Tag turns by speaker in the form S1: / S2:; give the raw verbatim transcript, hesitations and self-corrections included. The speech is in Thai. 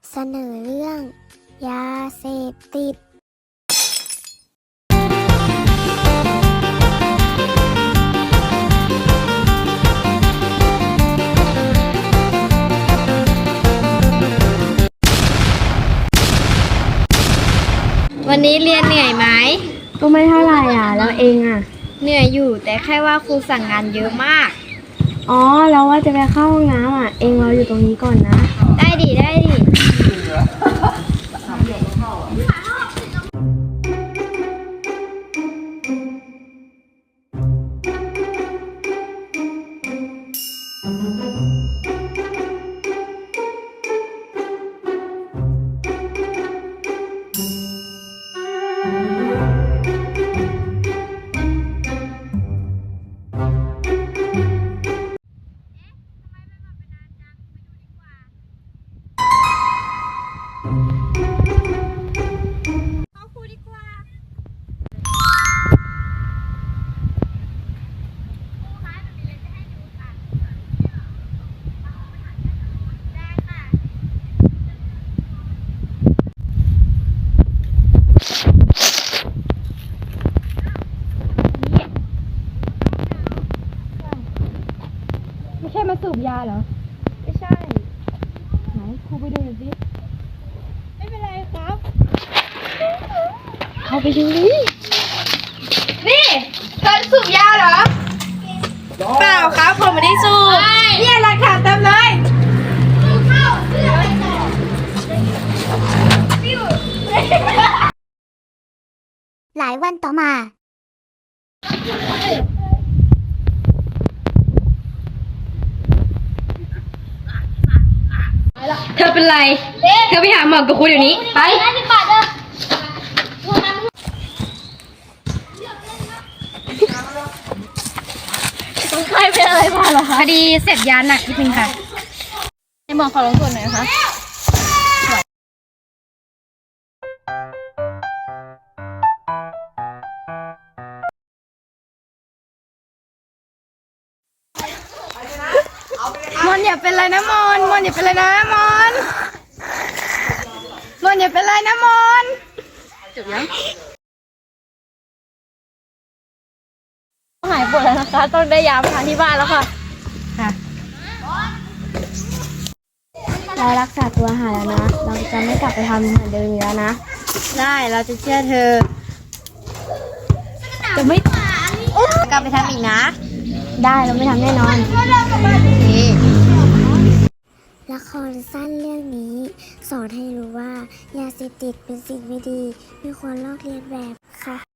S1: เสนอเรื่องยาเสพติด
S2: วันนี้เรียนเหนื่อยไหม
S3: ก็ไม่เท่าไหร่อ่ะแล้วเองอ่ะ
S2: เหนื่อยอยู่แต่แค่ว่าครูสั่งงานเยอะมาก
S3: อ๋อเราว่าจะไปเข้าห้องน้ำอ่ะเองรออยู่ตรงนี้ก่อนนะ
S2: ได้ดิได้ดิไม่ใช่มาสูบยาเหรอไม่ใช่ไหนครูไปดูหน่อยสิไม่เป็นไรครับเข้าไปดูดินี่เธอสูบยาเหรอเปล่าครับผมไม่ได้สูบเนี่ยหลักฐานเต็มเลย
S1: หลายวันต่อมา
S2: เธอเป็นไรเธอไปหาหมอกับครูเดี๋ยวนี้ไปต้องใครเป็นอะไรมาเหรอคะพอดีเสพยาหนักนิดนึงค่ะให้หมอขอลงโทษหน่อยนะคะมอนอย่าเป็นไรนะมอนมอนอย่าเป็นไรนะมอนมอนอย่าเป็นไรนะมอนจบยังหายปวดแล้วนะคะต้องได้ยามาทานที่บ้านแล้วค่ะค่ะ
S3: เรารักษาตัวหายแล้วนะเราจะไม่กลับไปทำเหมือนเดิมอีกแล้วนะ
S2: ได้เราจะเชื่อเธอจะไม่กลับไปทำอีกนะ
S3: ได้เราไม่ทำแน่นอน
S1: ละครสั้นเรื่องนี้สอนให้รู้ว่ายาเสพติดเป็นสิ่งไม่ดีไม่ควรลอกเลียนแบบค่ะ